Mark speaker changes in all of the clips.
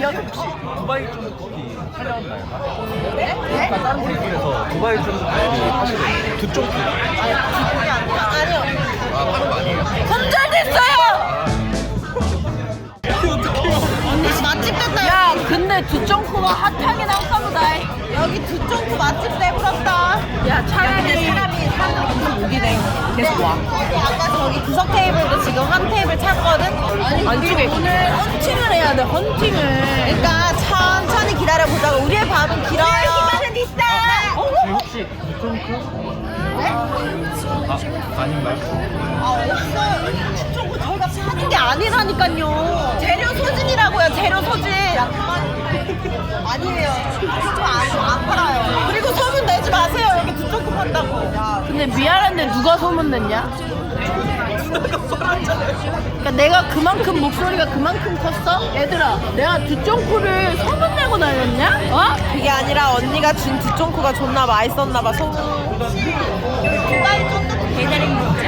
Speaker 1: 혹시 두바이 쫀득쿠키 촬영했나요? 네? 다른 분들에서 두바이 쫀득쿠키 하시는 두쫑쿠
Speaker 2: 아니요.
Speaker 1: 아 하는 거 아니에요?
Speaker 2: 손절됐어요. 언니 맛집 됐다. 야, 근데 두쫑쿠가 핫하긴 한가 보다. 여기 두쫑쿠 맛집 내부럽다. 야, 차라리 사람이 계속 오게 돼. 계속 와. 아까 저기 구석 테이블도 지금 한 테이블 찼거든. 안쪽에 오늘 헌팅을 해야 돼. 헌팅을. 그러니까 천천히 기다려 보자고. 우리의 밤은 길어요. 기다려 있어.
Speaker 1: 혹시 두쫑쿠? 아 아닌가요?
Speaker 2: 아, 없어요. 두쫑쿠 저희가 사는 게 아니라니까요. 재료 소진이라고요. 재료 소진. 아니에요. 두쫑쿠 안 팔아요. 그리고 소문 내지 마세요. 여기 두쫑쿠 판다고.
Speaker 3: 근데 미안한데 누가 소문냈냐? 그러니까 내가 그만큼 목소리가 그만큼 컸어? 얘들아, 내가 두쫑쿠를 소문내고 다녔냐? 어?
Speaker 2: 그게 아니라 언니가 준 두쫑쿠가 존나 맛있었나봐. 소문. 두바이 쫀득쿠 배달의 민족.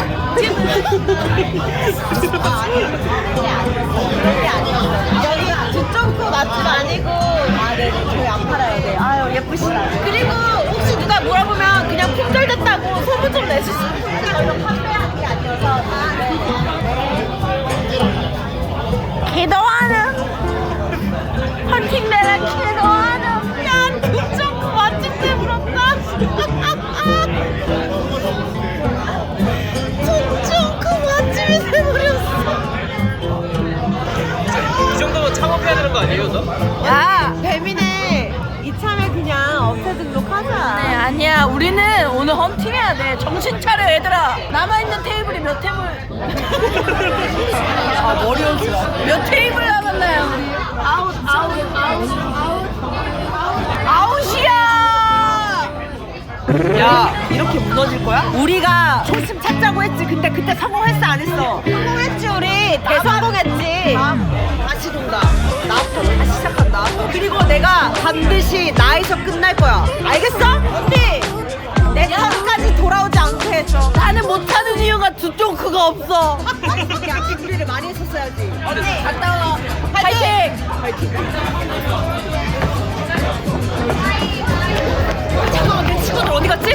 Speaker 2: 여기 두쫑쿠 맛집 아니고. 아, 네, 저희 안 팔아요. 네. 아유, 예쁘시다. 그리고 혹시 누가 물어보면 그냥 품절됐다고 소문 좀 내주시면 저희가 판매하는 게 아니어서. 아, 네.
Speaker 3: 기도하는 헌팅내라 기도하는 야 두쫑쿠 맛집 때문었다.
Speaker 2: 두쫑쿠 맛집이 돼버렸어.
Speaker 1: 이 정도면 창업해야 되는 거 아니에요, 너?
Speaker 2: 야, 배민에 이참에 그냥 업체 등록하자.
Speaker 3: 네, 아니야. 우리는 오늘 헌팅해야 돼. 정신 차려, 얘들아. 남아있는 테이블이 몇 테이블? 아, 머리 연습. 몇 테이블 남았나요, 우리? 아웃이야!
Speaker 2: 야, 이렇게 무너질 거야? 우리가 조심 찾자고 했지. 근데 그때 성공했어, 안 했어? 성공했지, 우리. 대성공했지. 다시 돈다. 나부터 다시 시작한다. 그리고 내가 반드시 나에서 끝날 거야. 알겠어? 언니! 내 턴까지 돌아오지 않게 해줘.
Speaker 3: 나는 못하는 이유가 두쫑쿠가 없어.
Speaker 2: 야, 준비를 많이 했었어야지.
Speaker 3: 언니, 갔다 와. 파이팅!
Speaker 2: 잠깐만, 내 친구들 어디 갔지?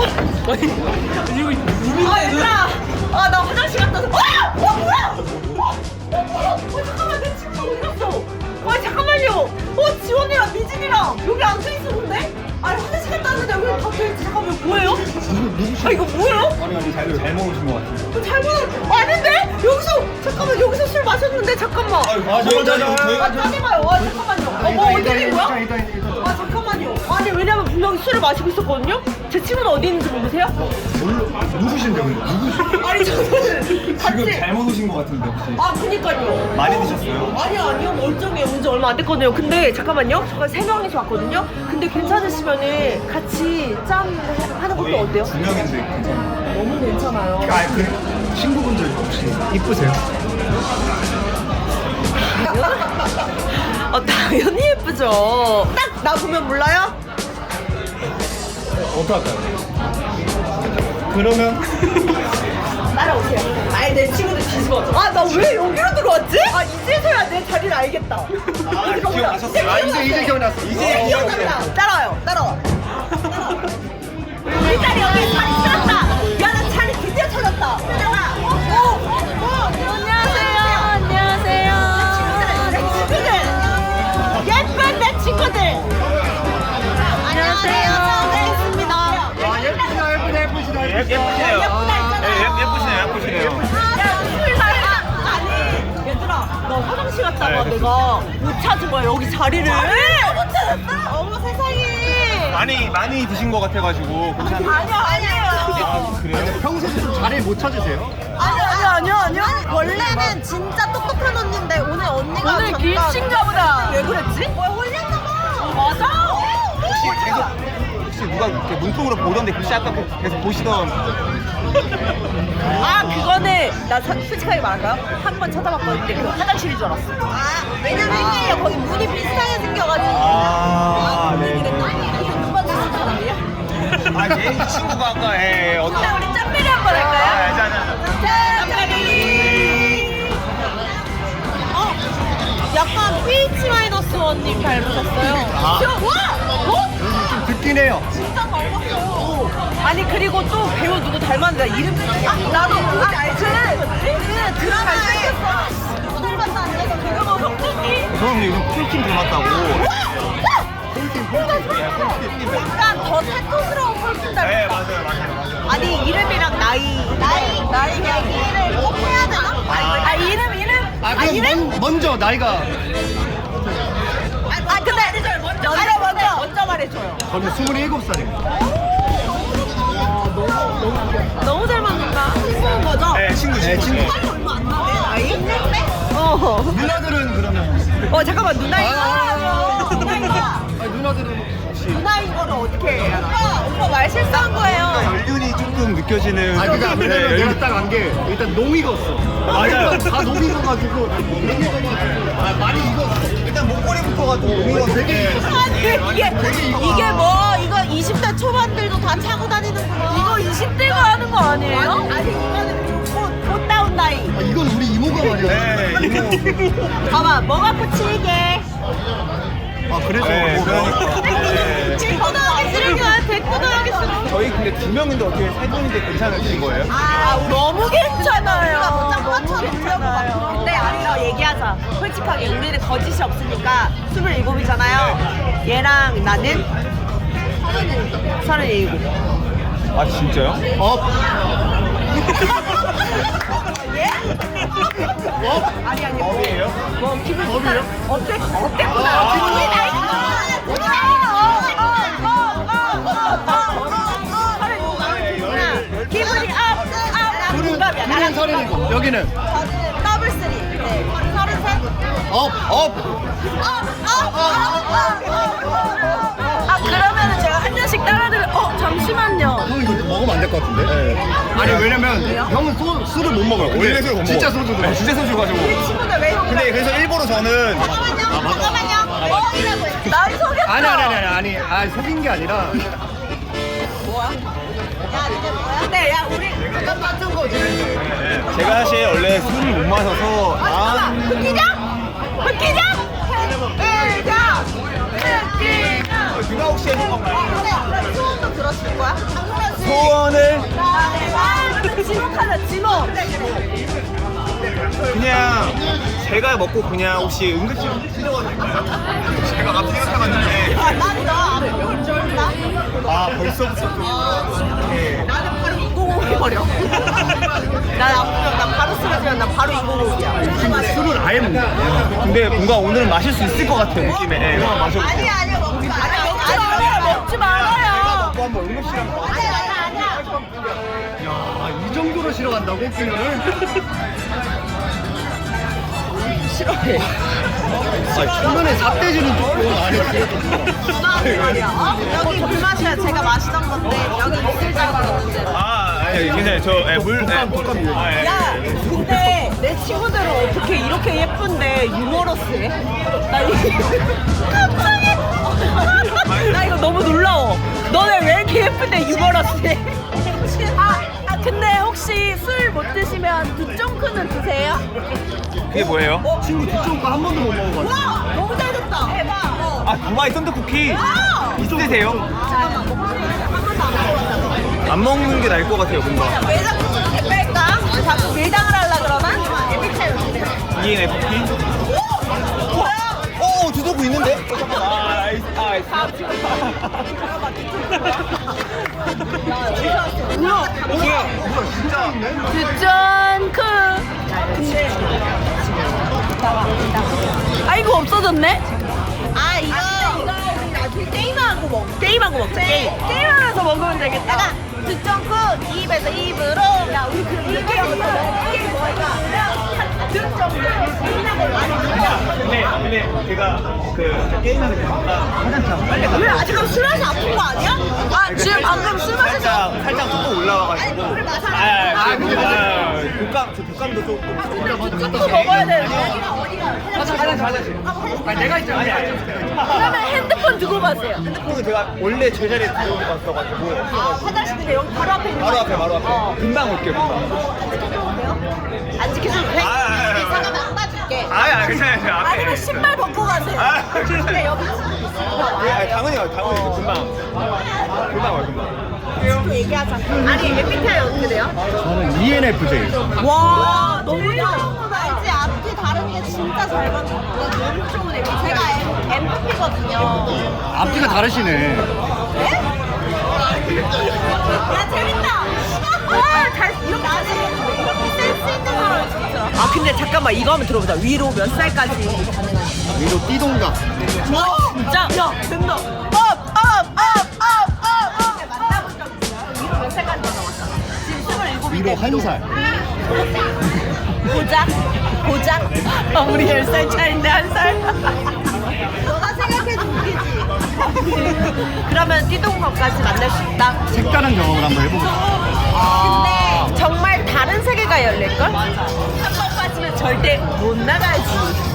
Speaker 2: 아, 얘들아! 아, 나 화장실 갔다 와서. 뭐야! 잠깐만, 내 친구 어디 갔어? 잠깐만요! 지원이랑 미진이랑 여기 앉아있었는데? 아니, 화장실 갔다 왔는데 여기 갑자기 잠깐만, 뭐예요? 이거 뭐예요?
Speaker 1: 아니 잘못 오신 것 같은데.
Speaker 2: 잘못, 아닌데? 잠깐만, 여기서 술 마셨는데, 잠깐만. 짜증나요. 잠깐만요. 어떻게 된 거야? 잠깐만요. 아니, 왜냐면 분명히 술을 마시고 있었거든요? 제 친구는 어디 있는지 모르세요?
Speaker 1: 누구신데 근데?
Speaker 2: 아니, 저는
Speaker 1: 지금
Speaker 2: 같이.
Speaker 1: 잘못 오신 것 같은데 혹시?
Speaker 2: 아, 그니까요.
Speaker 1: 많이 드셨어요?
Speaker 2: 아니요. 멀쩡해요. 온지 얼마 안 됐거든요. 근데 잠깐만요. 저가 3명이서 왔거든요. 근데 괜찮으시면은 같이 짠 하는 것도 어때요?
Speaker 1: 2명인데 괜찮아요.
Speaker 2: 너무 괜찮아요.
Speaker 1: 그 친구분들 혹시 이쁘세요?
Speaker 2: 당연히 예쁘죠. 딱 나 보면 몰라요?
Speaker 1: 어떡할까요? 그러면
Speaker 2: 따라오세요. 아니, 내 친구들 뒤집어져. 나 왜 여기로 들어왔지? 이제서야 내 자리를 알겠다.
Speaker 1: 기억나셨어요? 이제 기억났어.
Speaker 2: 이제 기억난다. 따라와. 우리 자리 여기 자리 찾았다. 야, 나 자리 드디어 찾았다. 따라와.
Speaker 3: 안녕하세요.
Speaker 2: 내 친구들. 예쁜 내 친구들. 안녕하세요. 처음 뵙겠습니다.
Speaker 1: 예쁘시네요. 예쁘시네요.
Speaker 2: 아니, 얘들아, 나 화장실 갔다가 내가 못 찾은 거야, 여기 자리를. 못 찾았다? 어머, 세상에.
Speaker 1: 많이 드신 것 같아가지고 괜찮아요.
Speaker 2: 아니에요.
Speaker 1: 그래요? 평소에 좀 자리 못 찾으세요?
Speaker 2: 아니요. 원래는 진짜 똑똑한 언니인데 오늘 언니가
Speaker 3: 오늘
Speaker 2: 잠깐
Speaker 3: 길친가 보다.
Speaker 2: 왜 그랬지? 홀렸나봐. 맞아.
Speaker 1: 혹시 누가 이렇게 문통으로 보던데 혹시 아까 계속 보시던
Speaker 2: 그거는 나 솔직하게 말할까요? 한 번 쳐다봤거든요. 그 화장실인 줄 알았어. 왜냐면 거기 문이 비슷하게 생겨가지고.
Speaker 1: 네.
Speaker 2: 누가 주신 사람이야?
Speaker 1: 이 친구가 아까 어떤
Speaker 2: 우리 짬베리 한번 할까요? 짬베리. 약간 PH-1님 닮으셨어요.
Speaker 4: 아.
Speaker 2: 와! 어?
Speaker 4: 좀 듣긴 해요.
Speaker 2: 진짜 닮았어. 아니 그리고 또 배우 누구 닮았는데 이름 나도 알지? 그 드라마에 누구 닮았다 안 돼서 그거 뭐 성준이?
Speaker 1: 저는 요즘 폴킴 닮았다고.
Speaker 2: 약간 더 사토스러운 펄킨 닮았다. 아니 이름이랑 나이 얘기를 꼭 해야 되나? 이름?
Speaker 4: 먼저 나이가
Speaker 2: 근데 먼저 말해줘요.
Speaker 4: 저는 27살입니다.
Speaker 2: 너무 잘 맞는다. 친구인 거죠?
Speaker 1: 네, 친구.
Speaker 2: 빨리 얼마 안 나네 나이?
Speaker 4: 누나들은 그러면
Speaker 2: 잠깐만 누나이가
Speaker 4: 누나들은 혹시
Speaker 2: 누나인 거를 어떻게 해요? 오빠 말 실수한 거예요.
Speaker 1: 연륜이 조금 느껴지는.
Speaker 4: 그러니까 왜냐면 내가 딱 안 게 일단 농 익었어.
Speaker 1: 맞아요.
Speaker 4: 다 농 익어가지고 많이 익었어.
Speaker 1: 일단 목걸이부터가 좀 의미가
Speaker 4: 되게
Speaker 2: 아니 이게 뭐 이거 20대 초반들도 다 차고 다니는구나. 이거 20대가 하는 거 아니에요? 아니 이거는 곧 다운 나이.
Speaker 4: 이건 우리 이모가 말이야.
Speaker 1: 네,
Speaker 2: 봐봐 뭐가 붙이게.
Speaker 4: 그래서
Speaker 1: 네, 그러니까.
Speaker 2: 대꾸하기 싫으면 대꾸하기 싫어.
Speaker 1: 저희 근데 2명인데 어떻게 3분인데 괜찮으신 거예요?
Speaker 2: 너무 괜찮아요. 너무 괜찮아요. 근데 아니요 얘기하자. 솔직하게 우리는 거짓이 없으니까 27이잖아요. 얘랑 나는 37.
Speaker 1: 아, 진짜요?
Speaker 2: 예? 아니
Speaker 1: 어디예요?
Speaker 2: 뭐 기분 좋다. 어땠구나. 기분이 기분이 동갑이야. 나랑
Speaker 4: 서른이고 여기는
Speaker 2: 더블 쓰리. 네. 33. 그러면은 제가 한 잔씩 따라드려. 잠시만요.
Speaker 4: 형 이거 먹으면 안 될 것 같은데? 아니 왜냐면 형은 술을 못 먹어요.
Speaker 1: 원래 술을 못
Speaker 4: 진짜
Speaker 1: 먹어요.
Speaker 4: 소주
Speaker 1: 네, 진짜 소주 가지고.
Speaker 2: 친구들 왜 이렇게
Speaker 1: 근데 그래서 일부러 저는
Speaker 2: 잠깐만요. 뭐이라고 했어? 날 속였어.
Speaker 4: 아니 속인 게 아니라
Speaker 2: 뭐야? 야, 니네 뭐야? 근데 야, 우리 똑같은 거지.
Speaker 1: 제가 사실 원래 술을 못 마셔서
Speaker 2: 흑기장? 흑기장?
Speaker 1: 누가 혹시 해준 건가요?
Speaker 2: 그래, 소원도 들었을 거야?
Speaker 1: 소원을
Speaker 2: 지목하자, 지목.
Speaker 1: 그냥 제가 먹고 그냥 혹시 응급실 치료가 될까요? 제가 갑자기 생각해봤는데 벌써부터 좀
Speaker 2: 나는 바로 205 버려. 난 아프면 난 바로 쓰러지면 난 바로 205이야.
Speaker 4: 술을 아예 못 먹어.
Speaker 1: 근데 뭔가 오늘은 마실 수 있을 것 같은 느낌에 네, 한번 마셔볼게요.
Speaker 2: 아니야, 먹지 말아요. 먹지 말아요.
Speaker 1: 또 한번 응급실 한번
Speaker 2: 아니야.
Speaker 4: 이 정도로 싫어간다고 그녀를?
Speaker 2: 싫어해.
Speaker 4: 중간에 삿대질은 조금 안에 그래도
Speaker 2: 말이야. 여기 물 마셔야 제가 마시던 건데 여기 있을 줄 알았는데.
Speaker 1: 괜찮아요. 저 물.
Speaker 2: 야, 근데 내 친구들은 어떻게 이렇게 예쁜데 유머러스해? 나 이거 갑자기 나 이거 너무 놀라워. 너네 왜 이렇게 예쁜데 유머러스해? 근데 혹시 술 못 드시면 두쫑크는 드세요?
Speaker 1: 그게 뭐예요?
Speaker 4: 친구 뒤쪽 거한 번도 못 먹어가지고.
Speaker 2: 와, 너무 잘 됐다. 대박.
Speaker 1: 두바이 썬더쿠키 있으세요?
Speaker 2: 잠깐만, 한 번도 안 먹었잖아.
Speaker 1: 안 먹는 게 나을 것 같아요, 뭔가.
Speaker 2: 왜 자꾸 저렇게 뺄까? 자꾸 밀당을 하려 그러나?
Speaker 1: ENFP? 오, 두더구 있는데? 나이스. 진짜.
Speaker 3: 두쫑크. 아이고 없어졌네.
Speaker 2: 이거 우리 나중에 게임하고 먹자.
Speaker 3: 게임하면서 먹으면 되겠다.
Speaker 2: 두쫑크 입에서 입으로. 야, 우리 이렇게 하면서 이게 뭐야?
Speaker 1: 근데 제가 그 게임하는 게 화장실 빨리
Speaker 2: 왜 아직은 술 마시 아픈 거 아니야? 지금 방금 술 마셔서.
Speaker 1: 살짝 조금 올라와가지고.
Speaker 2: 물을 마셔야
Speaker 1: 독감도 조금.
Speaker 3: 또 먹어야 되는데.
Speaker 1: 화장실. 내가 있잖아.
Speaker 3: 그러면 핸드폰 두고 가세요.
Speaker 1: 핸드폰은 제가 원래 제자리에 두고 왔어가지고.
Speaker 2: 화장실인데 여기 바로 앞에 있는
Speaker 1: 바로 앞에. 금방 올게요, 금방.
Speaker 2: 안 지켜줘도 돼?
Speaker 1: 아.
Speaker 2: 잠깐만 안 봐줄게.
Speaker 1: 아니 괜찮아요.
Speaker 2: 아니면 신발 벗고 가세요. 근데 여기
Speaker 1: 당연히 금방 와 금방.
Speaker 2: 또 얘기하자. 아니 MBTI 어떻게 돼요?
Speaker 4: 저는 ENFJ.
Speaker 2: 와 너무 좋다. 알지? 앞뒤 다른 게 진짜 잘 맞는 거. 너무 좋은 MBTI. 제가 MFP거든요.
Speaker 4: 앞뒤가 다르시네.
Speaker 2: 네? 야 재밌다. 잘 이렇게 센스 있는 사람 진짜. 아 근데 잠깐만 이거 한번 들어보자. 위로 몇 살까지?
Speaker 4: 위로 띠동갑.
Speaker 2: 와 진짜? 야 된다. 업. 만나본 적 있어요? 위로 몇 살까지 만나봤어? 지금 27인데
Speaker 4: 위로 1살.
Speaker 2: 고작? 우리 10살 차인데 1살? 너가 생각해도 웃기지? 그러면 띠동갑까지 만날 수 있다?
Speaker 4: 색다른 경험을 한번 해보고.
Speaker 2: 근데 정말 다른 세계가 열릴걸? 한 번 빠지면 절대 못 나가지.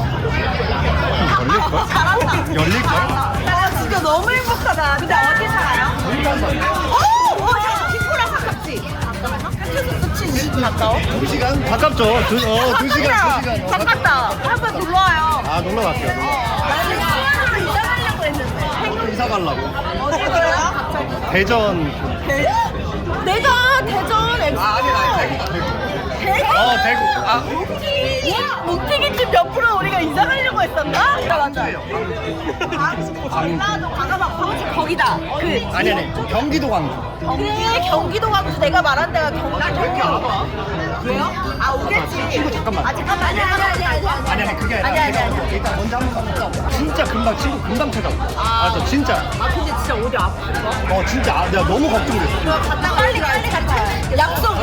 Speaker 4: 열릴걸?
Speaker 2: 잘한다.
Speaker 4: 열릴걸?
Speaker 2: 나 진짜 너무 행복하다. 근데 어디 살아요? 오! 야, 김포랑 가깝지? 가까워? 가까워?
Speaker 4: 2시간? 가깝죠. 2시간.
Speaker 2: 가깝다. 한번 놀러와요.
Speaker 4: 아, 놀러 갈게요.
Speaker 2: 나는 수원으로 이사 가려고 했는데.
Speaker 4: 이사 가려고.
Speaker 2: 어디 가요?
Speaker 4: 대전.
Speaker 2: 내가 대전 엑스. 대구?
Speaker 4: 대구.
Speaker 2: 옥튀기집 옆으로 우리가 이사 가려고 했었나? 맞아. 전라도 가가봐. 거기다.
Speaker 4: 아니. 경기도 광주.
Speaker 2: 그래 경기도 광주 내가 말한 데가 경기도. 왜요? 아 오겠지.
Speaker 4: 친구 잠깐만.
Speaker 2: 잠깐만. 아니.
Speaker 4: 아니, 그게 아니라.
Speaker 2: 아니.
Speaker 4: 일단 먼저 한번 가보자. 진짜 금방 친구 금방 찾아. 맞아, 진짜.
Speaker 2: 아 근데 진짜 어디 아프죠?
Speaker 4: 진짜. 내가 너무 걱정됐어.
Speaker 2: 갔다 빨리 같이. 약속.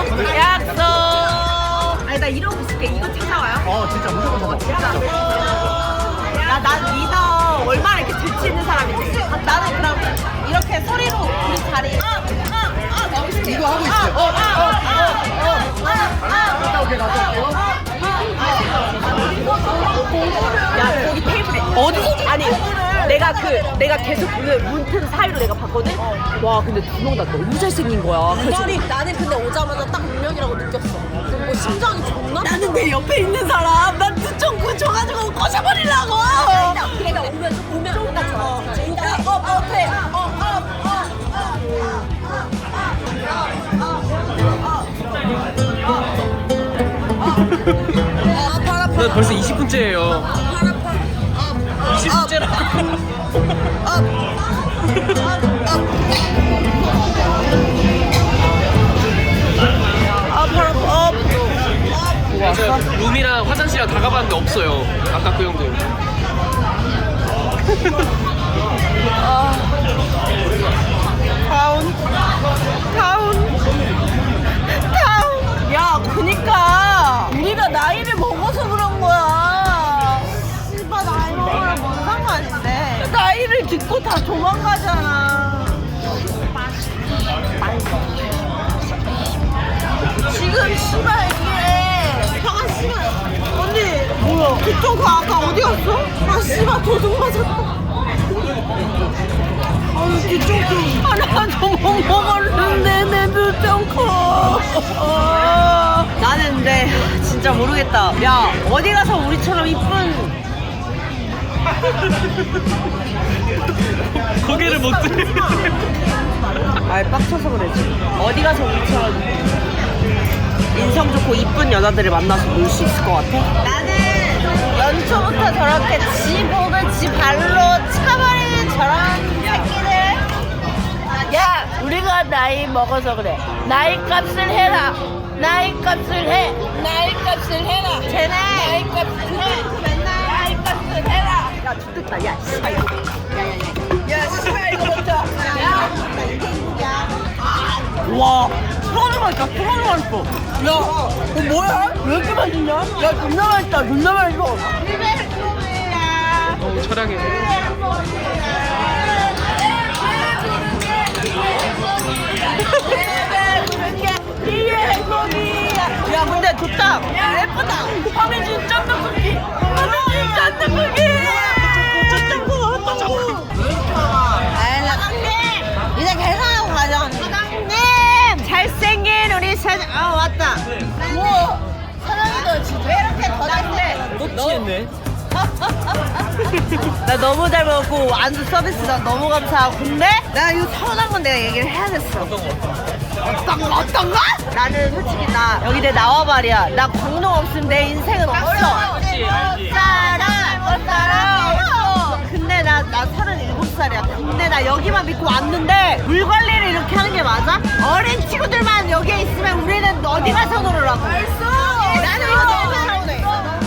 Speaker 2: 아니 나 이러고 있을게. 이거 찾아와요?
Speaker 4: 진짜 무조건 찾아.
Speaker 2: 난 리더 얼마나 이렇게 재치 있는 사람인지. 나는 그럼 이렇게 소리로 우리 자리.
Speaker 4: 이거 하고 있어요.
Speaker 2: 야 거기 테이블에 어디서? 아니 내가 계속 그 문틈 사이로 내가 봤거든. 와 근데 두 명 다 너무 잘생긴 거야. 나는 근데 오자마자 딱 운명이라고 느꼈어. 심장이 존나. 나는 내 옆에 있는 사람 난 두청구 줘가지고 꺼져버리려고. 그러니까 오면 조금 더 좋아.
Speaker 1: 나 벌써 20분째예요. 20분째라. 맞아요. 룸이랑 화장실이랑 다 가봤는데 없어요. 아까 그 형들.
Speaker 2: 타운. 야, 그니까 우리가 나이를 먹어서 그런 거야. 씨발 나이 먹으면 뭔 상관인데. 나이를 듣고 다 도망가잖아. 지금 씨발 이게 형아 씨발 언니 뭐야? 그쪽 그 아까 어디 갔어? 아 씨발 도둑 맞았다. 아유 뒤쪽도 하나도 못 먹었는데 내 눈병 커. 나는 근데 진짜 모르겠다. 야 어디 가서 우리처럼 이쁜
Speaker 1: 고개를 못 들.
Speaker 2: 말 빡쳐서 그러지. 어디 가서 우리처럼 인성 좋고 이쁜 여자들을 만나서 놀 수 있을 것 같아? 나는 연초부터 저렇게 지 목을 지 발로 차버리는 저런 새끼들. 야 우리가 나이 먹어서 그래. 나이 값을 해라. 나이 값을 해. 나이 값을 해라. 쟤네 나이 값을 해. 맨날 나이 값을 해라. 야 죽겠다. 야 씨발 이거. 야 씨발 이거 먼저. 야 이게 누구야? 와 프라이만 있다. 프라이만 있어. 야 뭐야? 왜 이렇게 맛있냐? 야 존나 맛있다. 존나 맛있어.
Speaker 1: 철학해.
Speaker 2: 야 근데 좋다. 야 예쁘다. 황해준 쫀득쿠키. 황해준 쫀득쿠키. 사장님 이제 계산하고 가자. 사장님 잘생긴 우리 사장. 왔다. 우와 사장님 너 진짜 왜 이렇게 더듬대? 너
Speaker 1: 했네.
Speaker 2: 나 너무 잘 먹었고 안주 서비스 나 너무 감사하고 근데 나 이거 서운한 건 내가 얘기를 해야겠어. 어떤 거? 나는 솔직히 나 여기 내 나와 말이야. 나 광동 없으면 내 인생은 없어.
Speaker 1: 알지, 알지.
Speaker 2: 못 살아. 근데 나 37살이야. 근데 나 여기만 믿고 왔는데 물 관리를 이렇게 하는 게 맞아? 어린 친구들만 여기에 있으면 우리는 어디 가서 놀으라고? 나는 이거 너무 서운해.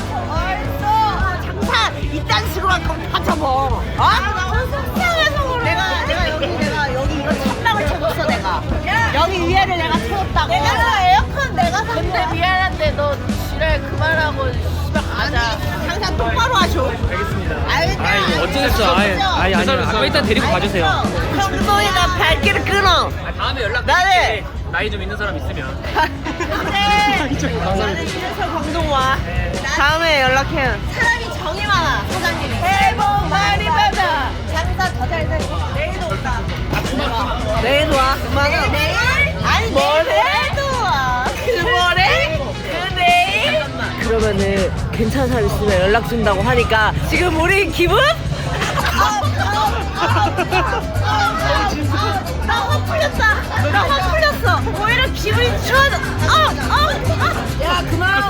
Speaker 2: 장사 이딴 식으로 할 거면 다 접어. 어? 너무 속상해서 그래. 내가 여기 이거 천막을 쳐줬어 내가. 여기 위에를 내가 채웠다고. 내가 에어컨 내가 산
Speaker 3: 근데
Speaker 2: 거야.
Speaker 3: 미안한데 너 지랄 그만하고 집에 가자.
Speaker 2: 항상 똑바로 하셔.
Speaker 1: 알겠습니다.
Speaker 2: 알겠다.
Speaker 1: 아이, 어쩌겠어. 아니, 아까 일단 데리고 가주세요.
Speaker 2: 형동이가 발길을 끊어.
Speaker 1: 다음에 연락
Speaker 2: 나는
Speaker 1: 나이 좀 있는 사람 있으면.
Speaker 2: 근데 나는 이래서 광동 와. 다음에 연락해요. 사람이 정이 많아 사장님이. 새해 복 많이 받아. 장사 더 잘 되고. 내일도 온다. 내일도 와. 내일? 아니 내일도 와. 그 뭐래? 그 내일? 그러면은 괜찮은 사람 있으면 연락 준다고 하니까 지금 우리 기분? 나 화 풀렸다. 나 화 풀렸어. 오히려 기분이 좋아져. 야 그만.